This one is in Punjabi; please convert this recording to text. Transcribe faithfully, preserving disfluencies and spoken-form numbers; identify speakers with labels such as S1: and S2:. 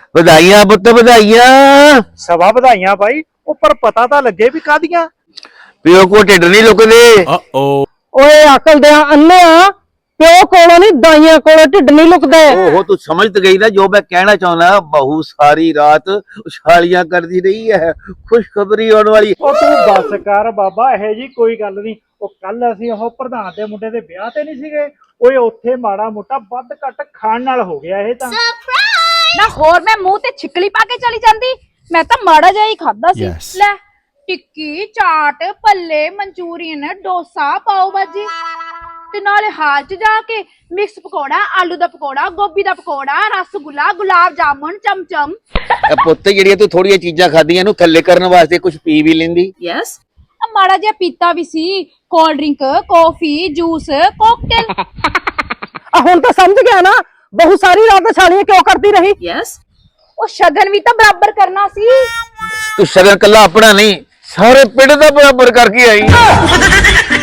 S1: ਵਧਾਈਆਂ ਪੁੱਤ ਵਧਾਈਆਂ।
S2: ਸਵਾ ਵਧਾਈਆਂ ਬਾਈ, ਉੱਪਰ ਪਤਾ ਤਾਂ ਲੱਗੇ ਵੀ ਕਾਦੀਆਂ।
S1: ਪਿਓ ਕੋ ਢਿੱਡ ਨਹੀਂ ਲੁਕਦੇ।
S3: ਓਏ ਅਕਲ ਦੇ ਅੰਨਿਆ, ਪਿਓ ਕੋਲੋਂ ਨਹੀਂ ਦਾਈਆਂ ਕੋਲੋਂ ਢਿੱਡ ਨਹੀਂ ਲੁਕਦਾ।
S1: ਓਹੋ ਤੂੰ ਸਮਝ ਤੇ ਗਈ ਨਾ ਜੋ ਮੈਂ ਕਹਿਣਾ ਚਾਹੁੰਦਾ। ਬਹੂ ਸਾਰੀ ਰਾਤ ਉਛਾਲੀਆਂ ਕਰਦੀ ਰਹੀ ਹੈ, ਖੁਸ਼ਖਬਰੀ ਆਉਣ ਵਾਲੀ।
S2: ਉਹ ਤੂੰ ਬੱਸ ਕਰ ਬਾਬਾ, ਇਹੋ ਜੀ ਕੋਈ ਗੱਲ ਨਹੀਂ। ਉਹ ਕੱਲ ਅਸੀਂ ਉਹ ਪ੍ਰਧਾਨ ਦੇ ਮੁੰਡੇ ਦੇ ਵਿਆਹ ਤੇ ਨਹੀਂ ਸੀਗੇ, ਓਏ ਉੱਥੇ ਮਾੜਾ ਮੋਟਾ ਵੱਧ ਘੱਟ ਖਾਣ ਨਾਲ ਹੋ ਗਿਆ ਇਹ ਤਾਂ।
S4: ਨਾ ਹੋਰ ਮੈਂ ਮੂੰਹ ਤੇ ਛਿੱਕਲੀ ਪਾ ਕੇ ਚਲੀ ਜਾਂਦੀ, ਮੈਂ ਤਾਂ ਮਾੜਾ ਜਿਹਾ ਹੀ ਖਾਦਾ ਸੀ। ਲੈ ਟਿੱਕੀ, ਚਾਟ, ਭੱਲੇ, ਮਨਚੂਰੀਅਨ, ਡੋਸਾ, ਪਾਓ ਭਾਜੀ ਤੇ ਨਾਲੇ ਹਾਲ ਚ ਜਾ ਕੇ ਮਿਕਸ ਪਕੌੜਾ, ਆਲੂ ਦਾ ਪਕੌੜਾ, ਗੋਭੀ ਦਾ ਪਕੌੜਾ, ਰਸਗੁੱਲਾ, ਗੁਲਾਬ ਜਾਮੁਨ, ਚਮਚਮ।
S1: ਇਹ ਪੁੱਤ ਜਿਹੜੀਆਂ ਤੂੰ ਥੋੜੀਆਂ ਚੀਜ਼ਾਂ ਖਾਧੀਆਂ ਇਹਨੂੰ ਥੱਲੇ ਕਰਨ ਵਾਸਤੇ ਕੁਝ ਪੀ ਵੀ ਲੈਂਦੀ।
S4: ਯੈਸ, ਮਾੜਾ ਜਿਹਾ ਪੀਤਾ ਵੀ ਸੀ, cold drink, coffee, juice, cocktail.
S3: ਆ ਹੁਣ ਤਾਂ ਸਮਝ ਗਿਆ ਨਾ, ਬਹੁ ਸਾਰੀ ਰਾਤ ਛਾਲੀਆਂ ਕਿਉਂ ਕਰਦੀ ਰਹੀ।
S4: ਯੈਸ, ਉਹ ਸ਼ਗਨ ਵੀ ਤਾਂ ਬਰਾਬਰ ਕਰਨਾ ਸੀ।
S1: ਤੂੰ ਸ਼ਗਨ ਕੱਲਾ ਆਪਣਾ ਨਹੀਂ ਸਾਰੇ ਪਿੰਡ ਦਾ ਬਰਾਬਰ ਕਰਕੇ ਆਈ।